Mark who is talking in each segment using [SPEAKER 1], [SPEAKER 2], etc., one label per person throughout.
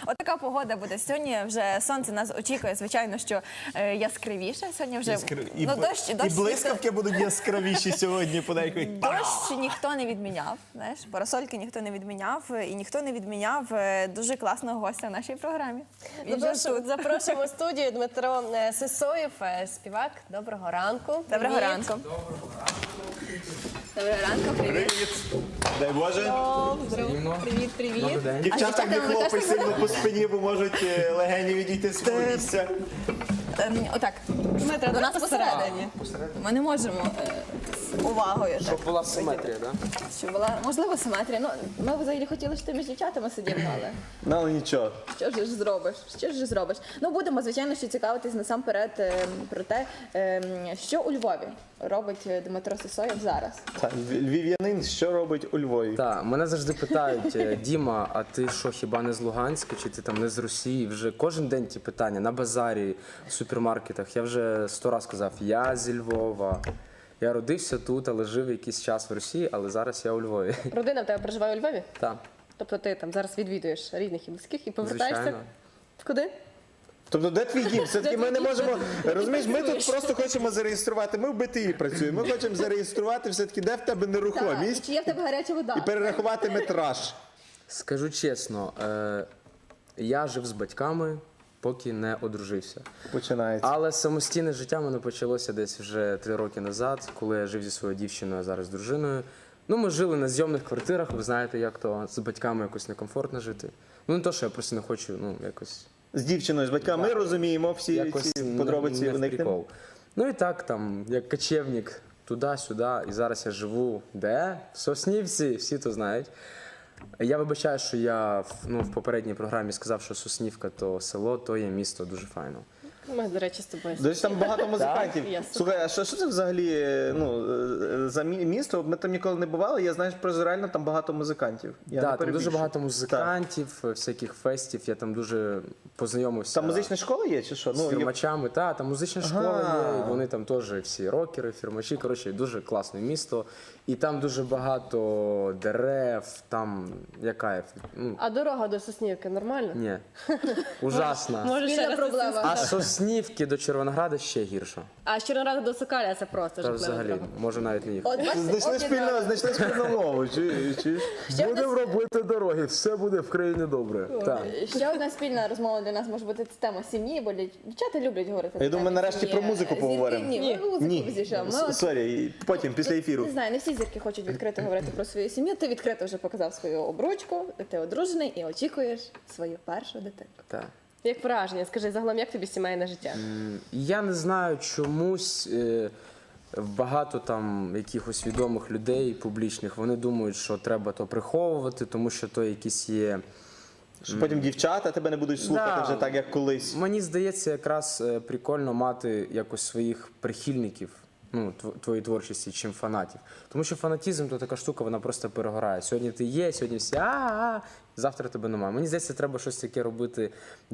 [SPEAKER 1] Отака погода буде. Сьогодні вже сонце нас очікує, звичайно, що яскравіше. Сьогодні вже
[SPEAKER 2] І блискавки будуть яскравіші сьогодні подейкують.
[SPEAKER 1] Дощ ніхто не відміняв, знаєш, парасольки ніхто не відміняв, і ніхто не відміняв дуже класного гостя в нашій програмі.
[SPEAKER 3] Запрошуємо в студію Дмитро Сисоєв, співак. Доброго ранку.
[SPEAKER 1] Доброго ранку. Доброго ранку, привіт.
[SPEAKER 2] Дай Боже.
[SPEAKER 1] Привіт.
[SPEAKER 2] Дівчата не хлопай сильно по спині, бо можуть легені відійти з того місця.
[SPEAKER 1] Отак, до нас посередині. Ми не можемо увагою.
[SPEAKER 4] Щоб була симетрія, так?
[SPEAKER 1] Щоб була, можливо, симетрія. Ну, ми взагалі хотіли, щоб ти між дівчатами сидів, але
[SPEAKER 2] Ну, але нічого.
[SPEAKER 1] що ж зробиш? Що ж зробиш? Ну, будемо, звичайно, ще цікавитись насамперед про те, що у Львові робить Дмитро Сисоєв зараз.
[SPEAKER 2] Так, львів'янин, що робить у Львові?
[SPEAKER 4] Так, мене завжди питають, Діма, а ти що, хіба не з Луганська, чи ти там не з Росії? Вже кожен день ті питання на базарі, в супермаркетах. Я вже 100 разів сказав, я зі Львова. Я родився тут, але жив якийсь час в Росії, але зараз я у Львові.
[SPEAKER 3] Родина в тебе проживає у Львові?
[SPEAKER 4] Так,
[SPEAKER 3] Тобто ти там зараз відвідуєш рідних і близьких і повертаєшся?
[SPEAKER 4] звичайно.
[SPEAKER 3] Куди?
[SPEAKER 2] Тобто, де твій дім? Все-таки ми не можемо, розумієш, ми тут просто хочемо зареєструвати, ми в БТІ працюємо, ми хочемо зареєструвати все-таки, де в тебе
[SPEAKER 1] І
[SPEAKER 2] нерухомість,
[SPEAKER 1] чи є в тебе гаряча вода?
[SPEAKER 2] і перерахувати метраж.
[SPEAKER 4] Скажу чесно, я жив з батьками, поки не одружився.
[SPEAKER 2] Починається.
[SPEAKER 4] Але самостійне життя в мене почалося десь вже 3 роки назад, коли я жив зі своєю дівчиною, а зараз з дружиною. Ну, ми жили на зйомних квартирах, ви знаєте, як то з батьками якось некомфортно жити. Ну, не то, що я просто не хочу, ну, якось...
[SPEAKER 2] З дівчиною, з батьками, ми розуміємо всі
[SPEAKER 4] якось
[SPEAKER 2] ці подробиці.
[SPEAKER 4] не в
[SPEAKER 2] уникнемо.
[SPEAKER 4] прикол. Ну і так, там, як кочевник, туди-сюди, і зараз я живу де? В Соснівці, всі то знають. Я вибачаю, що я в попередній програмі сказав, що Соснівка то село, то є місто, дуже файно.
[SPEAKER 3] Ми, до речі, з тобою.
[SPEAKER 2] До речі, там багато музикантів.
[SPEAKER 3] Ясно.
[SPEAKER 2] Слухай, а що це взагалі за місто? Ми там ніколи не бували, я знаю, що реально там багато музикантів. Я не
[SPEAKER 4] Так, там дуже
[SPEAKER 2] перебільшую.
[SPEAKER 4] багато музикантів, всяких фестів, я там дуже познайомився.
[SPEAKER 2] Там музична школа є чи що?
[SPEAKER 4] З фірмачами, там музична школа є, і вони там теж всі рокери, фірмачі. Коротше, дуже класне місто. І там дуже багато дерев, там я кайф. Ну,
[SPEAKER 3] А дорога до Соснівки нормальна?
[SPEAKER 4] ні, ужасно.
[SPEAKER 3] Може, ще
[SPEAKER 1] Спільна
[SPEAKER 3] раз
[SPEAKER 1] проблема.
[SPEAKER 4] А з Соснівки до Червонограда ще гірше.
[SPEAKER 3] А з Чорнограда до Сокаля це просто
[SPEAKER 4] Та
[SPEAKER 3] жахлива
[SPEAKER 4] взагалі,
[SPEAKER 3] дорога.
[SPEAKER 4] можу навіть не їхати.
[SPEAKER 1] От, бачите,
[SPEAKER 2] Знайшли спільну мову.
[SPEAKER 4] Будемо робити дороги, все буде в країні добре. Так.
[SPEAKER 1] ще одна спільна розмова для нас може бути це тема сім'ї, бо дівчата люблять говорити.
[SPEAKER 2] Я думаю,
[SPEAKER 1] на
[SPEAKER 2] нарешті
[SPEAKER 1] сім'ї.
[SPEAKER 2] про музику
[SPEAKER 1] Зірки
[SPEAKER 2] поговоримо.
[SPEAKER 1] ні, ми музику зійшов. Ми от-
[SPEAKER 2] Сорі, потім, після ефіру.
[SPEAKER 1] Не знаю, не всі зірки хочуть відкрито говорити про свою сім'ю. Ти відкрито вже показав свою обручку, ти одружений і очікуєш свою першу дитину.
[SPEAKER 4] Так.
[SPEAKER 3] Як враження? Скажи, загалом, як тобі сімейне життя?
[SPEAKER 4] Я не знаю, чомусь багато там якихось відомих людей публічних, вони думають, що треба то приховувати, тому що то якісь є.
[SPEAKER 2] Що потім дівчата тебе не будуть слухати
[SPEAKER 4] Да.
[SPEAKER 2] вже так, як колись.
[SPEAKER 4] Мені здається, якраз прикольно мати якось своїх прихильників, ну, твоєї творчості, чим фанатів. Тому що фанатізм то така штука, вона просто перегорає. Сьогодні ти є, сьогодні всі завтра тебе немає. Мені здається, треба щось таке робити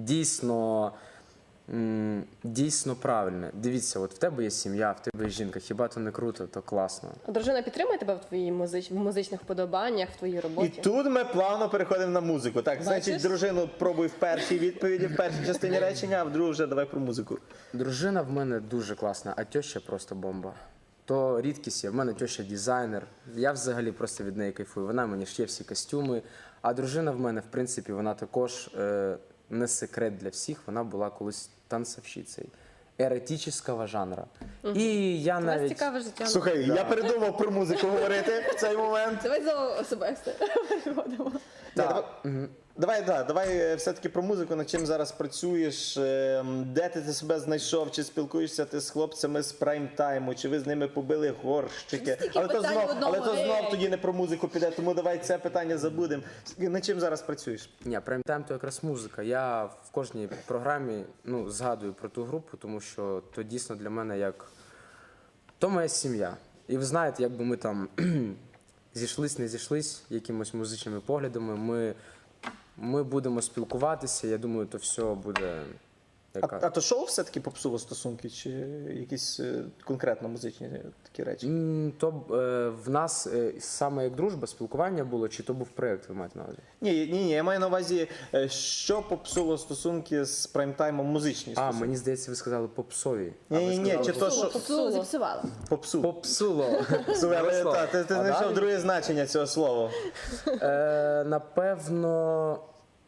[SPEAKER 4] дійсно правильне. Дивіться, от в тебе є сім'я, в тебе є жінка, хіба то не круто, то класно.
[SPEAKER 3] А дружина підтримує тебе в твоїй музичних вподобаннях, в твоїй
[SPEAKER 2] І
[SPEAKER 3] роботі?
[SPEAKER 2] тут ми плавно переходимо на музику. Так, значить, дружину пробуй в першій відповіді, в першій частині речення, а в другу вже давай про музику.
[SPEAKER 4] Дружина в мене дуже класна, а теща просто бомба. То рідкість є. В мене теща дизайнер. Я взагалі просто від неї кайфую. Вона мені шиє всі костюми. А дружина в мене, в принципі, вона також не секрет для всіх. Вона була колись танцовщицею еретичного жанру. І я
[SPEAKER 3] У вас
[SPEAKER 4] навіть...
[SPEAKER 3] цікаве життя.
[SPEAKER 2] Слухай, я передумав про музику говорити в цей момент.
[SPEAKER 1] Давай знову особисто переходимо.
[SPEAKER 2] Давай все-таки про музику, над чим зараз працюєш, де ти себе знайшов, чи спілкуєшся ти з хлопцями з прайм-тайму, чи ви з ними побили горщики.
[SPEAKER 1] Стільки
[SPEAKER 2] Але то
[SPEAKER 1] питань в одному,
[SPEAKER 2] знов тоді не про музику піде, тому давай це питання забудемо. Над чим зараз працюєш?
[SPEAKER 4] Ні, прайм-тайм – то якраз музика. Я в кожній програмі згадую про ту групу, тому що то дійсно для мене як... То моя сім'я. І ви знаєте, якби ми там зійшлись, не зійшлись якимось музичними поглядами, ми будемо спілкуватися, я думаю, то все буде яка.
[SPEAKER 2] А то шоу все-таки попсуло стосунки, чи якісь конкретно музичні такі речі?
[SPEAKER 4] То в нас саме як дружба, спілкування було, чи то був проєкт, ви маєте на увазі?
[SPEAKER 2] Ні, я маю на увазі, що попсуло стосунки з прайм-таймом музичні
[SPEAKER 4] А,
[SPEAKER 2] стосунки.
[SPEAKER 4] мені здається, ви сказали попсові.
[SPEAKER 2] Ні, чи то, що
[SPEAKER 1] Попсуло, зіпсувала.
[SPEAKER 2] попсу.
[SPEAKER 4] Попсуло.
[SPEAKER 2] Слухай, але
[SPEAKER 4] Ярослав.
[SPEAKER 2] ти
[SPEAKER 4] А
[SPEAKER 2] знайшов
[SPEAKER 4] далі?
[SPEAKER 2] друге значення цього слова.
[SPEAKER 4] Напевно,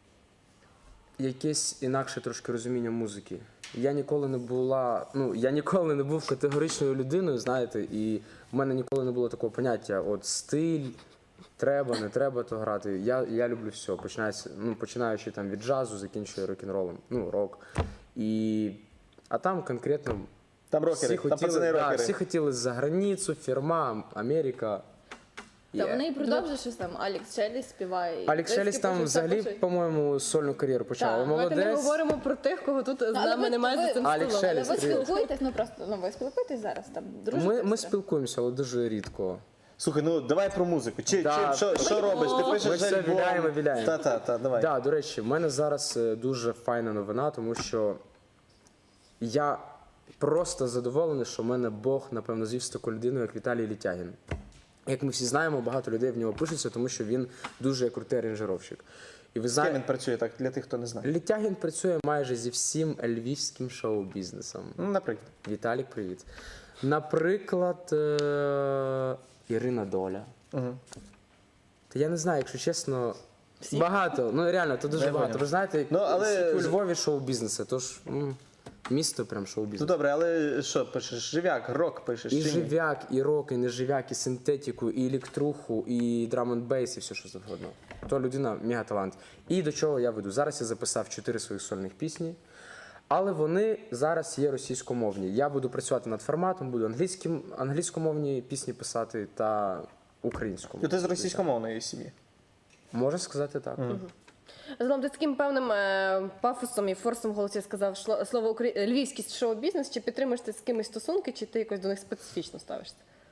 [SPEAKER 4] якесь інакше трошки розуміння музики. Я ніколи не був категоричною людиною, знаєте, і в мене ніколи не було такого поняття, от стиль, треба, не треба то грати. Я люблю все, починаючи там від джазу, закінчую рок-н-ролом, рок. А там конкретно
[SPEAKER 2] Там рокери, там пацани рокери.
[SPEAKER 4] всі хотіли за границю, фірма, Америка.
[SPEAKER 1] Та вони і продовжують щось там. Алекс Шеліс співає. і
[SPEAKER 4] Алекс
[SPEAKER 1] диски
[SPEAKER 4] Шеліс там
[SPEAKER 1] пише, все
[SPEAKER 4] взагалі,
[SPEAKER 1] пише.
[SPEAKER 4] по-моєму, сольну кар'єру почав.
[SPEAKER 1] Так,
[SPEAKER 3] Давайте не
[SPEAKER 4] Молодець.
[SPEAKER 3] говоримо про тих, кого тут з
[SPEAKER 1] Але
[SPEAKER 3] нами
[SPEAKER 1] ви-
[SPEAKER 3] немає за цим
[SPEAKER 4] Алекс
[SPEAKER 3] столом.
[SPEAKER 1] Але
[SPEAKER 4] Шеліс.
[SPEAKER 1] ви
[SPEAKER 4] Привіт.
[SPEAKER 1] спілкуєтесь, ви спілкуєтесь зараз там, дружите?
[SPEAKER 4] Ми
[SPEAKER 1] все?
[SPEAKER 4] спілкуємося, але дуже рідко.
[SPEAKER 2] Слухай, давай про музику.
[SPEAKER 4] Да.
[SPEAKER 2] Що робиш? Ти пишеш
[SPEAKER 4] Ми все
[SPEAKER 2] альбом?
[SPEAKER 4] віляємо.
[SPEAKER 2] Та, давай.
[SPEAKER 4] Так, до речі, в мене зараз дуже файна новина, тому що я просто задоволений, що в мене Бог, напевно, звів з такою людиною, як Віталій Літягін. Як ми всі знаємо, багато людей в нього пишуться, тому що він дуже крутий аранжировщик. І ви
[SPEAKER 2] З ким він
[SPEAKER 4] знаєте,
[SPEAKER 2] працює так, для тих, хто не знає?
[SPEAKER 4] Літягін працює майже зі всім львівським шоу-бізнесом.
[SPEAKER 2] Наприклад.
[SPEAKER 4] Віталік, привіт. Наприклад, Ірина Доля. Та я не знаю, якщо чесно, багато. Реально, то дуже
[SPEAKER 2] Я
[SPEAKER 4] багато.
[SPEAKER 2] поняв.
[SPEAKER 4] Ви знаєте,
[SPEAKER 2] Але-
[SPEAKER 4] скільки у Львові шоу-бізнесу, тож місто прям
[SPEAKER 2] Ну
[SPEAKER 4] шоу-бізнесу.
[SPEAKER 2] добре, але що пишеш? Живяк, рок пишеш?
[SPEAKER 4] І
[SPEAKER 2] чи ні?
[SPEAKER 4] живяк, і рок, і неживяк, і синтетику, і електруху, і драм-н-бейс, і все, що завгодно. То людина мегаталант. І до чого я веду? Зараз я записав 4 своїх сольних пісні, але вони зараз є російськомовні. Я буду працювати над форматом, буду англійськомовні пісні писати та українськомовні.
[SPEAKER 2] Ну, ти з російськомовної сім'ї.
[SPEAKER 4] Можна сказати так.
[SPEAKER 3] Загалом ти з таким певним пафосом і форсом в голосі сказав слово львівський шоу-бізнес. Чи підтримуєш ти з кимось стосунки, чи ти якось до них специфічно ставишся?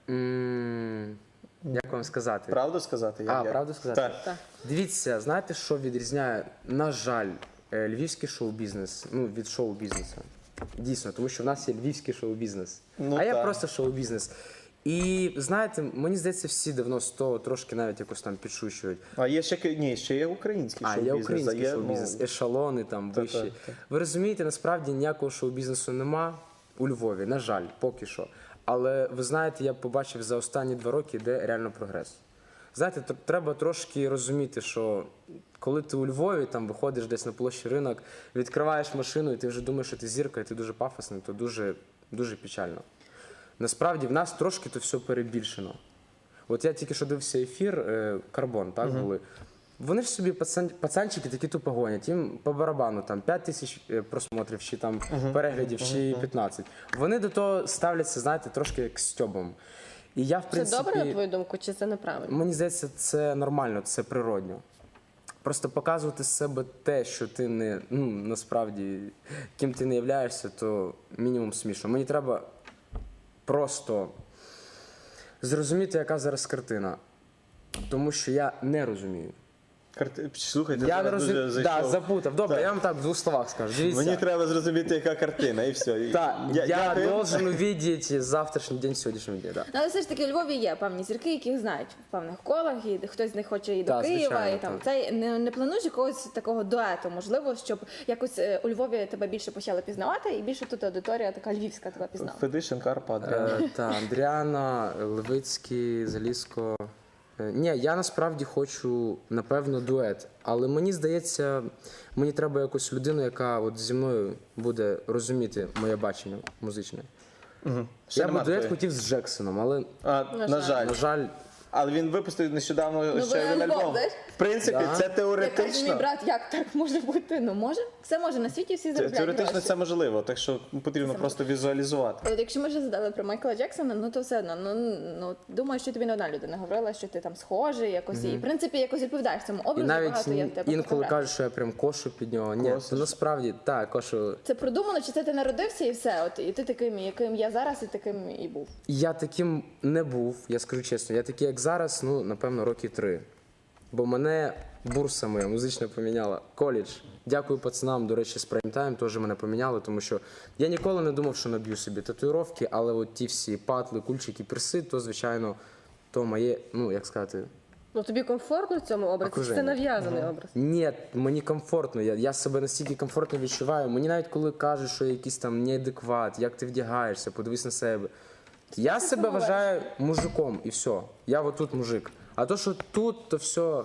[SPEAKER 4] Як вам сказати?
[SPEAKER 2] Правду сказати?
[SPEAKER 4] Правду сказати?
[SPEAKER 2] Так.
[SPEAKER 3] Так.
[SPEAKER 4] Дивіться, знаєте, що відрізняє, на жаль, львівський шоу-бізнес від шоу-бізнесу? Дійсно, тому що в нас є львівський шоу-бізнес,
[SPEAKER 2] Ну,
[SPEAKER 4] а я
[SPEAKER 2] так.
[SPEAKER 4] просто шоу-бізнес. І знаєте, мені здається, всі давно з того трошки навіть якось там підшучують.
[SPEAKER 2] А є ще є український
[SPEAKER 4] А
[SPEAKER 2] шоу-бізнес.
[SPEAKER 4] є український
[SPEAKER 2] є,
[SPEAKER 4] шоу-бізнес, ешелони там
[SPEAKER 2] Та,
[SPEAKER 4] вищі.
[SPEAKER 2] та.
[SPEAKER 4] Ви розумієте, насправді ніякого шоу-бізнесу нема у Львові, на жаль, поки що. Але ви знаєте, я побачив за останні 2 роки, де реально прогрес. Знаєте, треба трошки розуміти, що коли ти у Львові там виходиш десь на площі ринок, відкриваєш машину, і ти вже думаєш, що ти зірка, і ти дуже пафосний, то дуже, дуже печально. Насправді в нас трошки то все перебільшено. От я тільки що дивився ефір, Карбон, так були. Вони ж собі пацанчики такі тупо гонять, їм по барабану там 5 тисяч просмотрів, чи там переглядів, чи 15. Вони до того ставляться, знаєте, трошки як стьобом. І я, в
[SPEAKER 3] Це
[SPEAKER 4] принципі,
[SPEAKER 3] добре, на твою думку, чи це неправильно?
[SPEAKER 4] мені здається, це нормально, це природньо. Просто показувати з себе те, що ти не, насправді, ким ти не являєшся, то мінімум смішно. Мені треба просто зрозуміти, яка зараз картина. Тому що я не розумію.
[SPEAKER 2] Слухай, ти
[SPEAKER 4] Я не
[SPEAKER 2] зараз дуже
[SPEAKER 4] розумію.
[SPEAKER 2] зайшов.
[SPEAKER 4] Да, запутав. Добре,
[SPEAKER 2] Так.
[SPEAKER 4] я вам так в 2 словах скажу. Дивіться.
[SPEAKER 2] Мені треба зрозуміти, яка картина, і все.
[SPEAKER 4] Так, я
[SPEAKER 2] дякую.
[SPEAKER 4] должен увидеть завтрашній день, сьогоднішнього дня. Да.
[SPEAKER 1] Ну, але все ж таки у Львові є певні зірки, яких знають в певних колах, і хтось з них хоче і до
[SPEAKER 4] Так,
[SPEAKER 1] Києва,
[SPEAKER 4] звичайно,
[SPEAKER 1] і там
[SPEAKER 4] так.
[SPEAKER 1] це не плануєш якогось такого дуету, можливо, щоб якось у Львові тебе більше почали пізнавати, і більше тут аудиторія така львівська тебе пізнала.
[SPEAKER 2] Федишин, Карпа, Адріана.
[SPEAKER 4] Андріана, Левицький, Залізко. Ні, я насправді хочу, напевно, дует. Але мені здається, мені треба якусь людину, яка от зі мною буде розуміти моє бачення музичне.
[SPEAKER 2] Ще
[SPEAKER 4] Я
[SPEAKER 2] нема
[SPEAKER 4] б дует
[SPEAKER 2] такої?
[SPEAKER 4] хотів з Джексоном, але,
[SPEAKER 2] На жаль.
[SPEAKER 4] на жаль,
[SPEAKER 2] Але він випустив нещодавно ще
[SPEAKER 1] ви
[SPEAKER 2] один
[SPEAKER 1] альбом,
[SPEAKER 2] альбом.
[SPEAKER 1] знаєш?
[SPEAKER 2] В принципі,
[SPEAKER 4] Да.
[SPEAKER 2] це
[SPEAKER 1] Я кажу, мій
[SPEAKER 2] теоретично.
[SPEAKER 1] брат, як так може бути? Ну може, все може на світі, всі заробляють
[SPEAKER 2] Теоретично
[SPEAKER 1] гроші.
[SPEAKER 2] це можливо, так що потрібно просто візуалізувати.
[SPEAKER 1] От якщо ми вже задали про Майкла Джексона, ну то все одно, думаю, що тобі не одна людина говорила, що ти там схожий якось, і в принципі якось відповідаєш цьому
[SPEAKER 4] і
[SPEAKER 1] образу,
[SPEAKER 4] навіть
[SPEAKER 1] багато є в тебе
[SPEAKER 4] інколи
[SPEAKER 1] фотографій.
[SPEAKER 4] кажуть, що я прям кошу під нього. Ні,
[SPEAKER 2] Косиш.
[SPEAKER 4] то насправді, так, кошу.
[SPEAKER 1] Це продумано, чи це ти народився і все? От і ти таким, яким я зараз, і таким і був.
[SPEAKER 4] Я таким не був, я скажу чесно. Я такий, як зараз, напевно, роки 3. Бо мене бурса моя музична поміняла. Коледж. Дякую пацанам, до речі, з прайм-тайм теж мене поміняли, тому що я ніколи не думав, що наб'ю собі татуїровки, але от ті всі патли, кульчики, перси, то, звичайно, то моє, ну, як сказати,
[SPEAKER 3] Ну тобі комфортно в цьому образі? Чи
[SPEAKER 4] Окруження.
[SPEAKER 3] це нав'язаний образ?
[SPEAKER 4] ні, мені комфортно, я себе настільки комфортно відчуваю. Мені навіть коли кажуть, що я якийсь там неадекват, як ти вдягаєшся, подивись на себе. Я себе вважаю мужиком і все. Я отут мужик. А то, що тут, то все,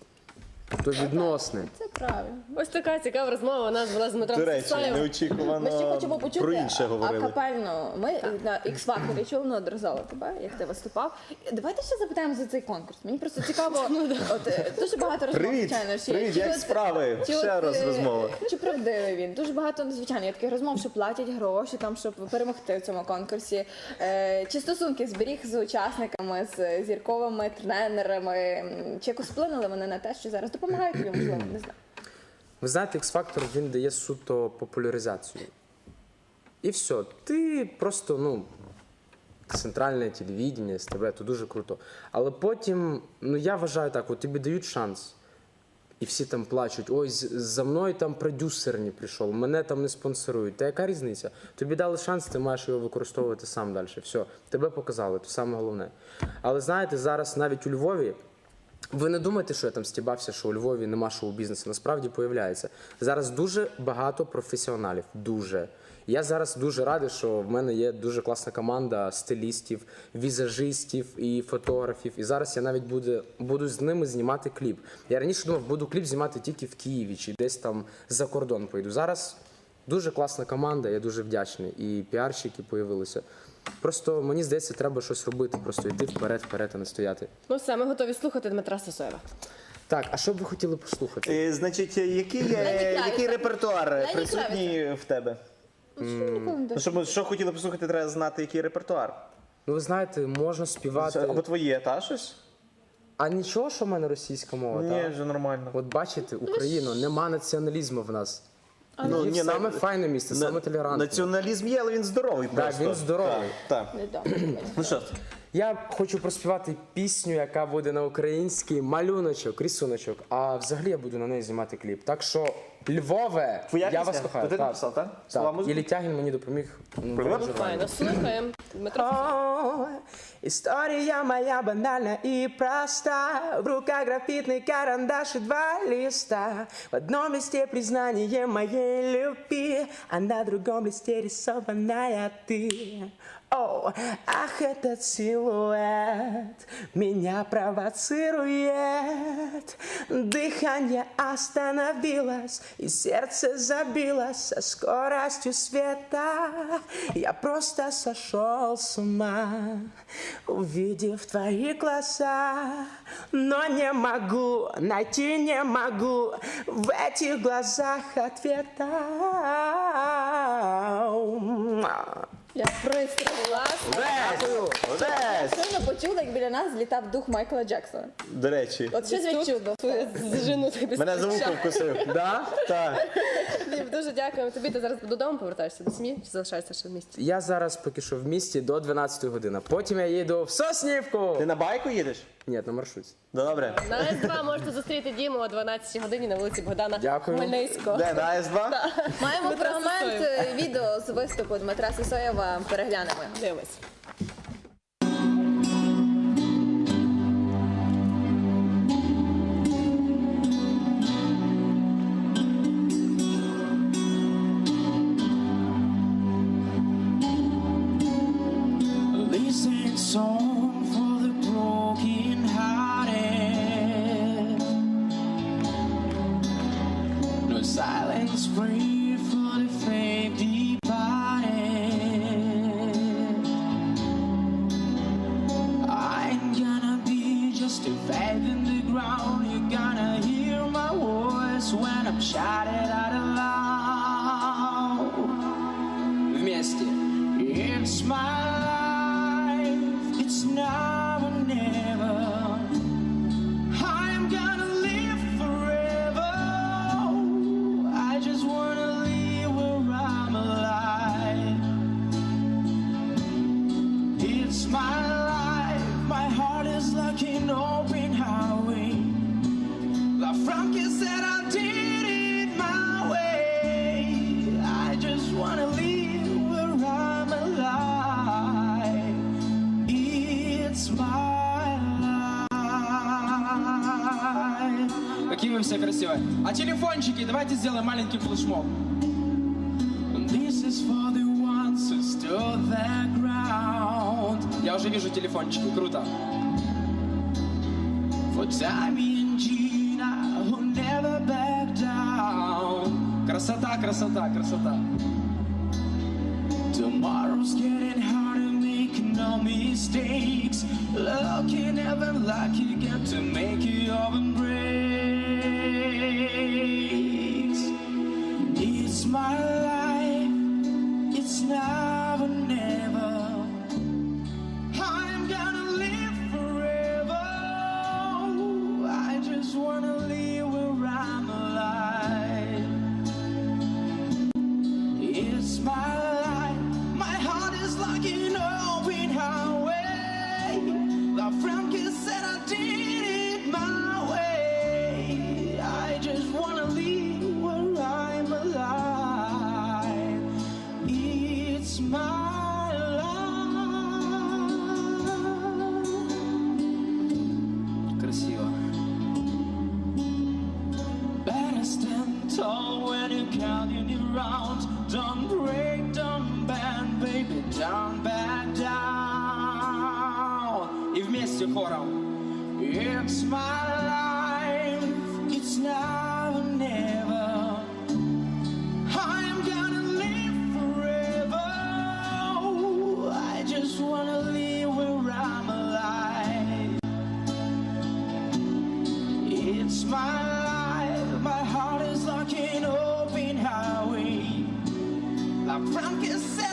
[SPEAKER 4] то відносне.
[SPEAKER 1] Це правильно.
[SPEAKER 3] Ось така цікава розмова у нас була з Дмитром
[SPEAKER 2] До речі,
[SPEAKER 3] Сисоєвим.
[SPEAKER 1] Ми
[SPEAKER 2] неочікувано
[SPEAKER 1] ще хочемо почути
[SPEAKER 2] про інше говорили.
[SPEAKER 1] акапельно. Ми на X-Factor чули неодноразово тебе, як ти виступав. Давайте ще запитаємо за цей конкурс. Мені просто цікаво, от дуже багато розмов,
[SPEAKER 2] Привіт,
[SPEAKER 1] звичайно. Чи-
[SPEAKER 2] привіт,
[SPEAKER 1] чи
[SPEAKER 2] як
[SPEAKER 1] от-
[SPEAKER 2] справи?
[SPEAKER 1] чи
[SPEAKER 2] Ще
[SPEAKER 1] от,
[SPEAKER 2] раз розмова.
[SPEAKER 1] Чи правдивий він? Дуже багато, звичайно, є таких розмов, що платять гроші, там, щоб перемогти в цьому конкурсі. Чи стосунки зберіг з учасниками, з зірковими тренерами? Чи якось вплинули вони на те, що зараз допомагають тобі, можливо, не знаю.
[SPEAKER 4] Ви знаєте, X-Factor, він дає суто популяризацію. І все. Ти просто, ну, центральне телевідення, СТВ, то дуже круто. Але потім, ну я вважаю так, от тобі дають шанс. І всі там плачуть, ой, за мною там продюсер не прийшов, мене там не спонсорують. Та яка різниця? Тобі дали шанс, ти маєш його використовувати сам далі. Все, тебе показали, це саме головне. Але знаєте, зараз навіть у Львові, ви не думайте, що я там стібався, що у Львові нема шоу-бізнесу. Насправді появляється. Зараз дуже багато професіоналів. Дуже. Я зараз дуже радий, що в мене є дуже класна команда стилістів, візажистів і фотографів. І зараз я навіть буду з ними знімати кліп. Я раніше думав, буду кліп знімати тільки в Києві чи десь там за кордон поїду. Зараз дуже класна команда, я дуже вдячний. І піарщики появилися. Просто мені здається, треба щось робити, просто йти вперед, а не стояти.
[SPEAKER 3] Ну все, ми готові слухати Дмитра Сисоєва.
[SPEAKER 4] Так, а що б ви хотіли послухати?
[SPEAKER 2] Значить, який
[SPEAKER 1] Кравіца.
[SPEAKER 2] репертуар
[SPEAKER 1] Лені
[SPEAKER 2] присутній в тебе?
[SPEAKER 1] Що ніколи не
[SPEAKER 2] Ну, що хотіли послухати, треба знати, який репертуар.
[SPEAKER 4] Ну, ви знаєте, можна співати.
[SPEAKER 2] Або твоє, та щось?
[SPEAKER 4] А нічого, що в мене російська мова,
[SPEAKER 2] Ні,
[SPEAKER 4] так?
[SPEAKER 2] вже нормально.
[SPEAKER 4] От бачите, Україна, нема націоналізму в нас.
[SPEAKER 2] Ну,
[SPEAKER 4] Львів
[SPEAKER 2] ні,
[SPEAKER 4] саме файне місце, саме толерантне.
[SPEAKER 2] Націоналізм є, але він здоровий
[SPEAKER 4] Так,
[SPEAKER 2] просто.
[SPEAKER 4] він здоровий.
[SPEAKER 2] Так.
[SPEAKER 1] добре.
[SPEAKER 2] Ну що,
[SPEAKER 4] Я хочу проспівати пісню, яка буде на українській, малюночок, рисуночок, а взагалі я буду на неї знімати кліп. Так що, Львове,
[SPEAKER 2] твоя
[SPEAKER 4] я
[SPEAKER 2] пісня?
[SPEAKER 4] вас кохаю.
[SPEAKER 2] То ти
[SPEAKER 4] Так.
[SPEAKER 2] написав, так? Слова
[SPEAKER 4] Так,
[SPEAKER 2] музики?
[SPEAKER 4] Іллі Тягін мені допоміг.
[SPEAKER 3] Файно, слухаємо. Дмитро Сисоєв.
[SPEAKER 4] О, история моя банальна и проста. В руках графитный карандаш и 2 листа. В одном листе признание моей любви, а на другом листе рисованная ты. О, ах, этот силуэт меня провоцирует. Дыхание остановилось, и сердце забилось со скоростью света. Я просто сошел с ума, увидев твои глаза. Но не могу, найти не могу в этих глазах ответа.
[SPEAKER 1] Я пристріла.
[SPEAKER 2] Одесь!
[SPEAKER 1] Щойно почула, як біля нас злітав дух Майкла Джексона.
[SPEAKER 2] До речі,
[SPEAKER 1] От щось відчудо.
[SPEAKER 3] Зжину тобі.
[SPEAKER 2] мене за вухо вкусив.
[SPEAKER 4] Да?
[SPEAKER 2] Так.
[SPEAKER 3] Дім, дуже дякуємо тобі. Ти зараз додому повертаєшся до сім'ї чи залишаєшся ще в місті?
[SPEAKER 4] Я зараз поки що в місті до 12 години. Потім я їду в Соснівку.
[SPEAKER 2] Ти на байку їдеш?
[SPEAKER 4] Ні, на маршруті.
[SPEAKER 2] Добре.
[SPEAKER 3] На С2 можете зустріти Діму о 12 годині на вулиці Богдана
[SPEAKER 4] Дякую.
[SPEAKER 3] Хмельницького.
[SPEAKER 2] Де, на С2?
[SPEAKER 1] Маємо
[SPEAKER 3] Дмитра
[SPEAKER 1] фрагмент
[SPEAKER 3] Сисоєва.
[SPEAKER 1] відео з виступу Дмитра Сисоєва. Переглянемо.
[SPEAKER 3] Дивимось.
[SPEAKER 5] A listening song for the broken hearted. No silence free for the faith departed. I ain't gonna be just a faith in the ground. You're gonna hear my voice when I'm shouting out aloud. Вместе. It's my life, it's now or never. I'm gonna live forever. I just wanna live where I'm alive. It's my life, my heart is like an open highway. Like какие вы все красивые. А телефончики давайте сделаем маленький флешмоб. This is for the ones who stood their ground. Я уже вижу телефончики, круто. For Tommy and Gina who never back down. Красота, красота, красота. Tomorrow's getting harder, make no mistakes. Lucky, never lucky, get to make your embrace. It's my life, it's now or never. I'm gonna live forever. I just wanna live where I'm alive. It's my life, my heart is like an open highway. The friend said I did it my way. I just wanna live where I'm alive. It's my life. Красиво. Better stand tall when you're counting it round. Don't break, don't bend, baby, don't back down. И вместе хором. It's my life, it's now or never. I'm gonna live forever. I just wanna live where I'm alive. It's my life, my heart is like an open highway. La Franca said